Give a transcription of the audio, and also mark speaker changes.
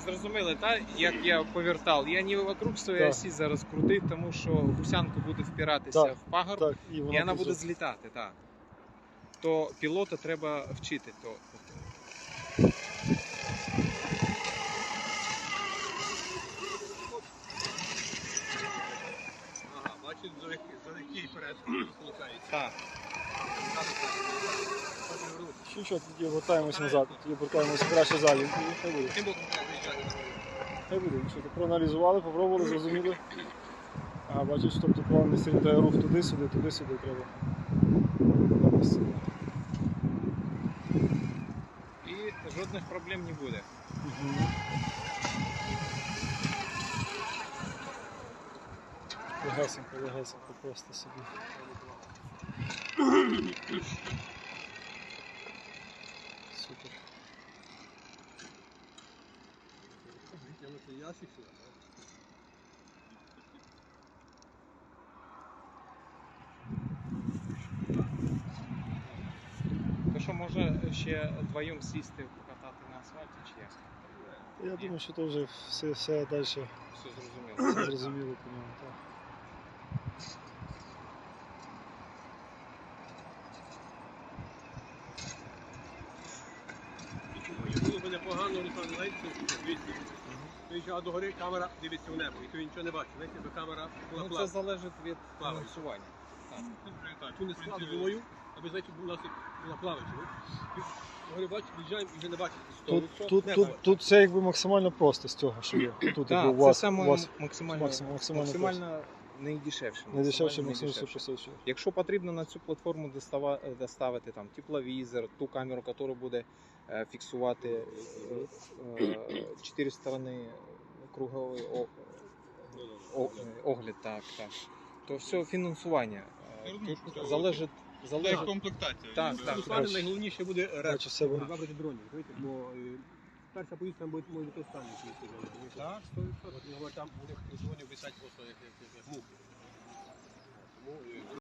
Speaker 1: зрозуміли, так? Як я повертав. Я не вокруг своєї
Speaker 2: Так.
Speaker 1: осі зараз крутив, тому що гусянка буде впиратися
Speaker 2: Так,
Speaker 1: в пагорб,
Speaker 2: Так,
Speaker 1: і вона буде злітати. Так. То пілота треба вчити.
Speaker 3: Ага, бачить, завдяки вперед получається.
Speaker 1: Так.
Speaker 2: Що, тоді вертаємося назад, тоді повертаємося краще залі. Хай буде.
Speaker 3: Тим боком треба виїжджати.
Speaker 2: Хай буде. Що, проаналізували, попробували, зрозуміли. Ага, бачиш, тобто план не сильно треба рух туди-сюди треба.
Speaker 1: І жодних проблем не буде.
Speaker 2: Легесенько просто собі. Супер.
Speaker 3: Витягнути ящик сюди.
Speaker 1: То що, може ще вдвоєм сісти, покатати на асфальті, чи як?
Speaker 2: Я думаю, що то вже все далі
Speaker 1: Все зрозуміло.
Speaker 2: зрозуміло по ньому. Так.
Speaker 3: Було б непогано, Руслан, знаєте, звідси. Виїжджала до гори, камера дивиться в небо, і ти нічого не бачиш. Знаєте, якби камера була
Speaker 1: Ну, це
Speaker 3: плавна.
Speaker 1: залежить від
Speaker 3: Плаває.
Speaker 1: фінансування.
Speaker 3: Так, чому не складно зимою, аби, знаєте, у нас була плаваюча. До гори бачиш, виїжджаємо і вже не бачиш.
Speaker 2: Тут все якби максимально просто з цього, що є. Тут
Speaker 1: Так,
Speaker 2: якби,
Speaker 1: це саме максимально найдешевше.
Speaker 2: не дешевше, максимально
Speaker 1: найдешевше.
Speaker 2: все посочує.
Speaker 1: Якщо потрібно на цю платформу доставити там тепловізор, ту камеру, яка буде фіксувати 4 сторони круговий огляд, так, то все фінансування. Тут залежить.
Speaker 3: Комплектація.
Speaker 1: Так.
Speaker 3: Руслан, найголовніше буде
Speaker 2: Бачу себе.
Speaker 3: вибрати броню, розумієте? Бо перша поїздка може бути останньою.
Speaker 1: Так, 100%.
Speaker 3: Там у них дзвонів висять просто як мухи. Тому